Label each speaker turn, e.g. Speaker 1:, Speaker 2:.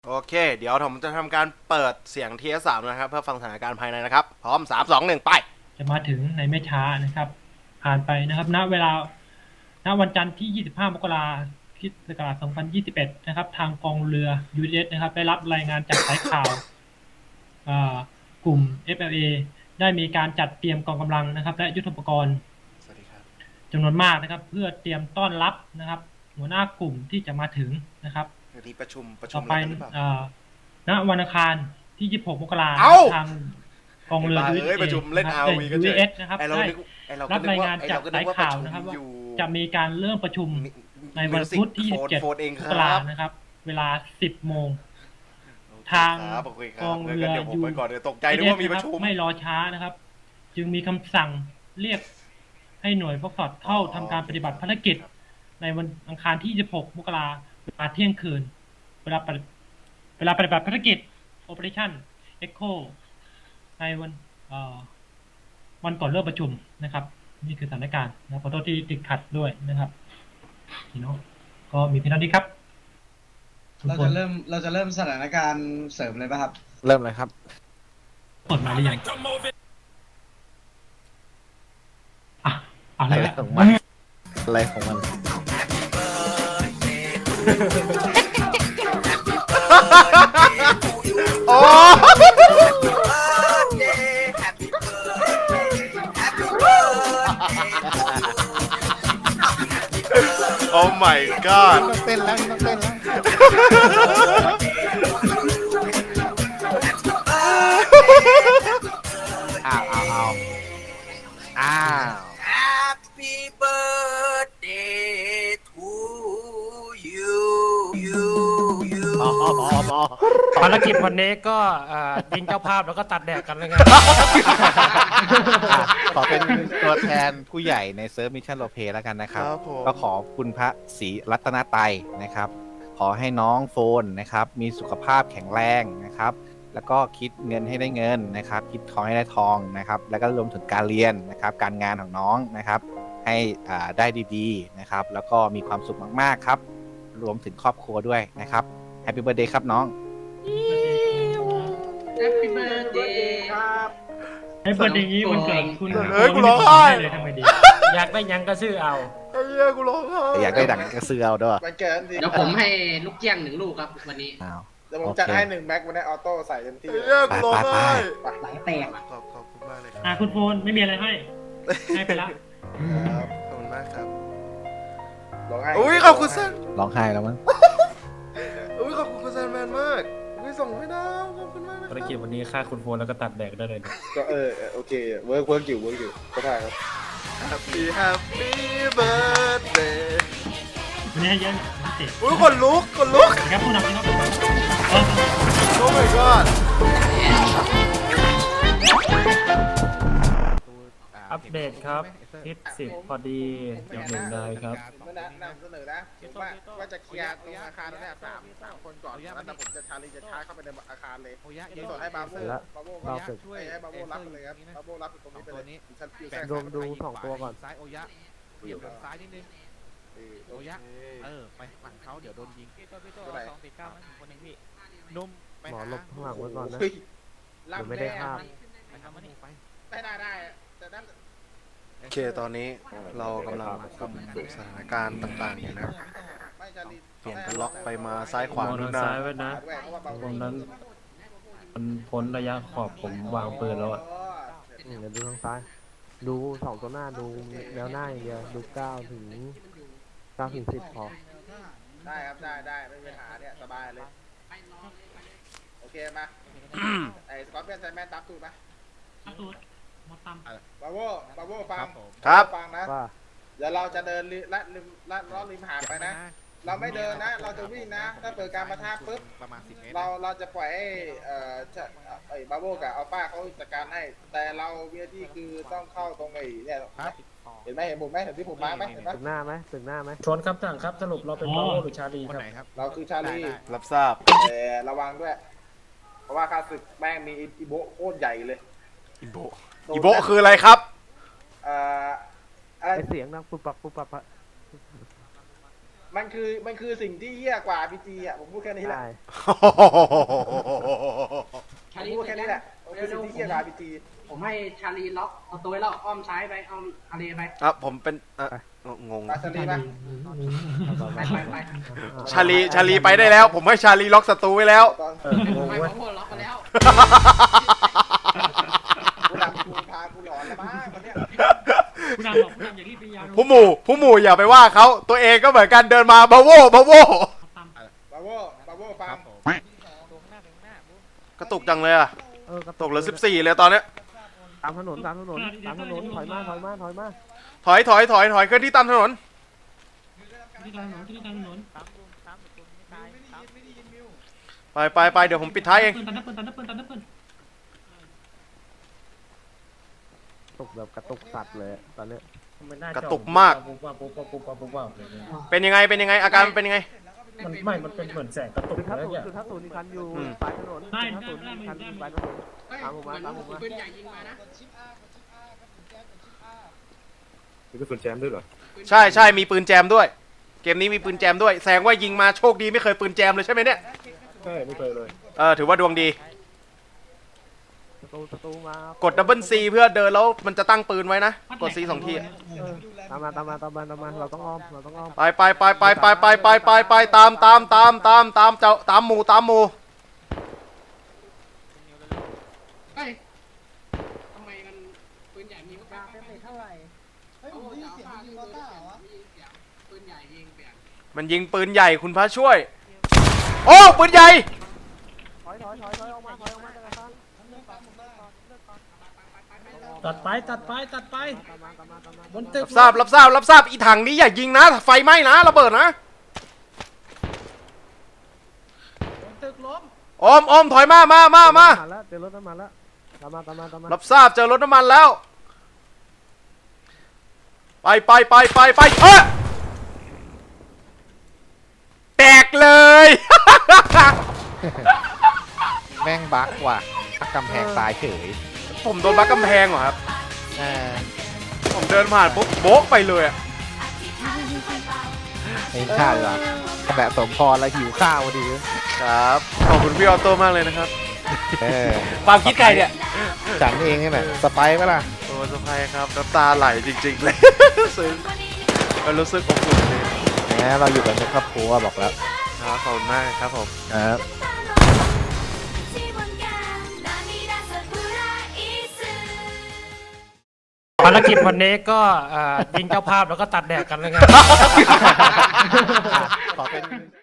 Speaker 1: โอเคเดี๋ยวผมจะทำการเปิดเสียง TS3 นะครับเพื่อฟังสถานการณ์ภายในนะครับพร้อม3 2 1ไป
Speaker 2: จะมาถึงในไม่ช้านะครับผ่านไปนะครับณเวลาณวันจันทร์ที่ 25 มกราคมคริสต์ศักราช 2021 นะครับทางกองเรือ USS นะครับได้รับรายงานจากสายข่าวกลุ่ม FLA ได้มีการจัดเตรียมกองกำลังนะครับและยุทโธปกรณ์จำนวนมากนะครับเพื่อเตรียมต้อนรับนะครับหัวหน้ากลุ่มที่จะมาถึงนะครับ
Speaker 1: ที่ประชุม
Speaker 2: ต่อไปณวันอังคารที่ 26 มกราคมทางกองเรือ USS นะครับได้รับรายงานจากสายข่าวนะครับว่าจะมีการเริ่มประชุมในวันพุธที่ 27 มกราคมนะครับเวลา 10 โมงทางกองเรือ USS ไม่รอช้านะครับจึงมีคำสั่งเรียกให้หน่วยฟอกสอดเข้าทำการปฏิบัติภารกิจในวันอังคารที่ 26 มกราคมเวลาเที่ยงคืนเวลาปฏิบัติภารกิจ Operation Echo ในวันก่อนเริ่มประชุมนะครับนี่คือสถานการณ์นะขอโทษที่ติดขัดด้วยนะครับพี่น้องก็มีเพียงเท่านี้ครับ
Speaker 3: เราจะเริ่มสถานการณ์เสริมเลยป่ะครับ
Speaker 4: เริ่มเลยครับ
Speaker 2: เปิดมาหรือยังอะไร
Speaker 4: ของมันอะไรของมัน
Speaker 1: โอ้โอ้ my god
Speaker 4: ต้องเต้นแล้วต้องเต้นแล้วอ้าว
Speaker 5: Happy birthday to you
Speaker 6: ภารกิจวันนี้ก็ยิงเจ้าภาพแล้วก็ตัดแดกกันเลยไง
Speaker 4: ขอเป็นตัวแทนผู้ใหญ่ในเซิร์ฟมิชชั่นโรลเพลย์แล้วกันนะครับก็ขอคุณพระศรีรัตนตรัยนะครับขอให้น้องโฟนนะครับมีสุขภาพแข็งแรงนะครับแล้วก็คิดเงินให้ได้เงินนะครับคิดทองให้ได้ทองนะครับแล้วก็รวมถึงการเรียนนะครับการงานของน้องนะครับให้ได้ดีๆนะครับแล้วก็มีความสุขมากๆครับรวมถึงครอบครัวด้วยนะครับแฮปปี้เบิร์ธเดย์ครับน้อง
Speaker 3: Happy birthday
Speaker 2: ครับให้เปิดอย่างนี้วันเกิดคุณ
Speaker 1: กูร้องไห้
Speaker 2: เลยทำไมดี
Speaker 6: อยากได้ยังก็ชื่อเอา
Speaker 1: ไอ้เหี้ยกูร้องไห้
Speaker 4: อยากได้ดังกระเสือเอาด้วย
Speaker 3: วันเกิดสิ
Speaker 7: เดี๋ยวผมให้ลูกเกี้ยง1 ลูกครับวันนี้
Speaker 3: เดี๋ยวผมจัดให้1 แม็กวันนี้ออโต้ใส่เต็มที่
Speaker 1: ไอ้เหี้ยกูร้องไห้
Speaker 7: ไหลแตก
Speaker 1: ขอบคุณมากเลยครับ
Speaker 2: คุณโฟนไม่มีอะไรให้ไปละ
Speaker 1: ครับขอบคุณมากครับ
Speaker 3: ร้องไห้
Speaker 1: อุ้ยขอบคุณเซน
Speaker 4: ร้องไห้แล้วมั้ง
Speaker 1: อุ้ยขอบคุณคุณเซนแมนมากอุ้ยส่งให้ดาวขอบคุณมากนะค
Speaker 6: ภาร
Speaker 1: รับ
Speaker 6: กิจวันนี้ฆ่าคุณโฟนแล้วก็ตัดแดกได้เลย
Speaker 3: ก็โอเคเวิร์กอยู่ก็ได้ครับ
Speaker 1: Happy Happy Birthday
Speaker 2: วันนี้ให้เยอะพิเศษ
Speaker 1: อุ้ยคนลุก
Speaker 2: ครับผู้นำที่เขา
Speaker 1: โอ้ my god
Speaker 6: อัปเดตครับทิศ10พอดีอย่างหนึ่งได้ครับ
Speaker 3: เมื่อนำเสนอนะว่าจะเคลียร์ตรงอาคารนั่นแหละสามคนก่อนแล้วแต่ผมจะชาเข้าไปในอาคารเลยส่วนให้บาโบ้ให้บาโบ้รับไปเลยครับบาโบ้รับตรงนี้ไปเลย
Speaker 8: ดู2 ตัวก่อนซ้ายโอยะเบี่ยงซ้ายนิดนึงโอยะไปฝั่งเขาเดี๋ยวโดนยิงนุ่มไปหมอหลบข้างหลังไว้ก่อนนะเดี๋ยวไม่ได้ภาพไปทำมันนี่ไป
Speaker 3: ได้แต่นั่น
Speaker 1: โอเคตอนนี้เรากำลังคุมสถานการณ์ต่างๆอยู่นะครับเปลี่ยนเป็นล็อกไปมาซ้ายขวา
Speaker 6: ทางซ้ายไว้นะตรงนั้นมันพ้นระยะขอบผมวางปืนแล้วอ่ะ
Speaker 8: เดี๋ยวดูทางซ้ายดู2 ตัวหน้าดูแนวหน้าอย่างเดียวดู9 ถึง 10พอ
Speaker 3: ได้ครับได้ไม่มีปัญหาเนี่ยสบายเลยโอเคมาไอ้สกอตเปียนไซแมนตับตูดมาบาโว่ฟัง
Speaker 1: ครับ
Speaker 3: ฟังนะเดี๋ยวเราจะเดินล้อริมหาดไปนะเราไม่เดินนะเราจะวิ่งนะถ้าเปิดการประทะปุ๊บ
Speaker 8: ประมาณ10 เมตร
Speaker 3: เราจะปล่อยให้บาโว่กับอัลฟาเขาจัดการให้แต่เราเวียที่คือต้องเข้าตรงไอ้เนี่ยเห็นไหมเห็นผมไหมเห็นที่ผมมาไหมเห็นไหม
Speaker 8: ตึกหน้าไหม
Speaker 6: ชนครับต่างครับสรุปเราเป็นบาโวหรือชาลี
Speaker 8: ครับ
Speaker 3: เราคือชาลี
Speaker 1: รับทราบ
Speaker 3: แต่ระวังด้วยเพราะว่าข้าศึกแม่งมีอีโบโคตรใหญ่เลย
Speaker 1: อีโบคืออะไรครับ
Speaker 3: อะไร
Speaker 8: เสียงนะปุ๊บปับ
Speaker 3: มันคือสิ่งที่เหี้ยกว่า RPG อ่ะผมพูดแค่นี้แหละ
Speaker 8: ได้
Speaker 3: ผมพูดแค่นี้แหละมันคือสิ่งที่เหี้ยกว่า RPG
Speaker 7: ผมให้ชาลีล็อกเอาตัวไว้แล้วอ้อมซ้ายไปอ้อมทะเลไป
Speaker 1: ผมเป็นงง
Speaker 3: ปาชาลีป่ะ
Speaker 7: ไป
Speaker 1: ชาลีไปได้แล้ว ผมให้ชาลีล็อกศัตรูไว้แล้ว
Speaker 3: ตอน
Speaker 7: ไม่พอล็อกไปแล้ว
Speaker 3: กูดำกูพากูหลอนแล้วมั้งวันเนี้ย
Speaker 2: ผู้นำบอกผู้นำอย่ารีบไปยาว
Speaker 1: ผู้หมู่อย่าไปว่าเขาตัวเองก็เหมือนกันเดินมาบาโว
Speaker 3: บาโวฟัง
Speaker 1: กระตุกจังเลยอะ
Speaker 8: กระ
Speaker 1: ตกเหลือ14เลยตอนเนี้ย
Speaker 8: ตามถนนถอยมาถอยมา
Speaker 1: ถอยเคลื่อนที่ตามถนน
Speaker 2: ที่ทางถนนที่ทางถนน
Speaker 1: ไปเดี๋ยวผมปิดท้ายเอง
Speaker 2: ตันนับปืน
Speaker 8: ตกแบบกระตุกสัตว์เลยตอนเนี้ย
Speaker 1: กระตุกมาก เป็นยังไงอาการเป็นยังไง
Speaker 6: มันเป็นเหมือนแสงกระตุก
Speaker 8: คือถ้า
Speaker 6: แล้ว
Speaker 8: ศูน
Speaker 6: เนี่ย
Speaker 8: ย์คือถ้าศูนย์มีคันอยู่
Speaker 1: อืม
Speaker 8: ปลายถนนถ้าศูนย์มีคันอยู่ปลายถนน ตามผมมาตามผมมา
Speaker 7: ปืนใหญ่ยิงมานะ
Speaker 6: มีกระสุนแจมด้วยเหรอ
Speaker 1: ใช่มีปืนแจมด้วย เกมนี้มีปืนแจมด้วยแสดงว่ายิงมาโชคดีไม่เคยปืนแจมเลยใช่ไหมเนี่ย
Speaker 6: ใช่ไม่เคยเลย
Speaker 1: ถือว่าดวงดี
Speaker 8: ศัตรูมาก
Speaker 1: ดดับเบิลซีเพื่อเดินแล้วมันจะตั้งปืนไว้นะกด C 2 ทีอะ
Speaker 8: ตามมาเราต้องอ้อม
Speaker 1: ไปตามหมู่
Speaker 7: เฮ้ยทำไมมันปืนใหญ่มีมากเท่าไหร่เฮ้ยผมได้ยินเสียงยิงมอเตอร์เหรอปืนใหญ่ยิงเปลี่ยน
Speaker 1: มันยิงปืนใหญ่คุณพระช่วย โอ้ปืนใหญ่
Speaker 8: ถอยออกมาจากอาคาร
Speaker 6: ตัดไปบนตึก
Speaker 1: รับทราบอีถังนี้อย่ายิงนะไฟไหม้นะระเบิดนะ
Speaker 6: ตึกล้ม
Speaker 1: อมถอยมา
Speaker 8: แล้วเจอรถน้ำมันแล้วตามมา
Speaker 1: รับทราบเจอรถน้ำมันแล้ว ไปแตกเลย
Speaker 4: แม่งบั๊กว่ะบั๊กกำแพงตายเฉย
Speaker 1: ผมโดนบักกำแพงเหรอครับ
Speaker 4: เออ
Speaker 1: ผมเดินผ่านปุ๊บโบ๊ะไปเลยอะ
Speaker 4: ไม่ฆ่าดีกว่าแบบสมพรแล้วหิวข้าวพอดี
Speaker 1: ครับขอบคุณพี่ออโต้มากเลยนะครับ
Speaker 4: เออ
Speaker 1: ความคิดใครเนี่ย
Speaker 4: ฉันเองนี่แหละสไปร์ปะล่ะ
Speaker 1: โอ้สบายครับน้ำตาไหลจริงๆเลย ซึ้งมันรู้สึกอบอุ่นเลย
Speaker 4: แหมเราอยู่กันเป็นครอบครัวบอกแล้ว
Speaker 1: ครับขอบคุณมากครับผม
Speaker 4: ครับ
Speaker 6: ภารกิจวันนี้ก็ยิงเจ้าภาพแล้วก็ตัดแดกกันเลยไง
Speaker 4: ขอเป็น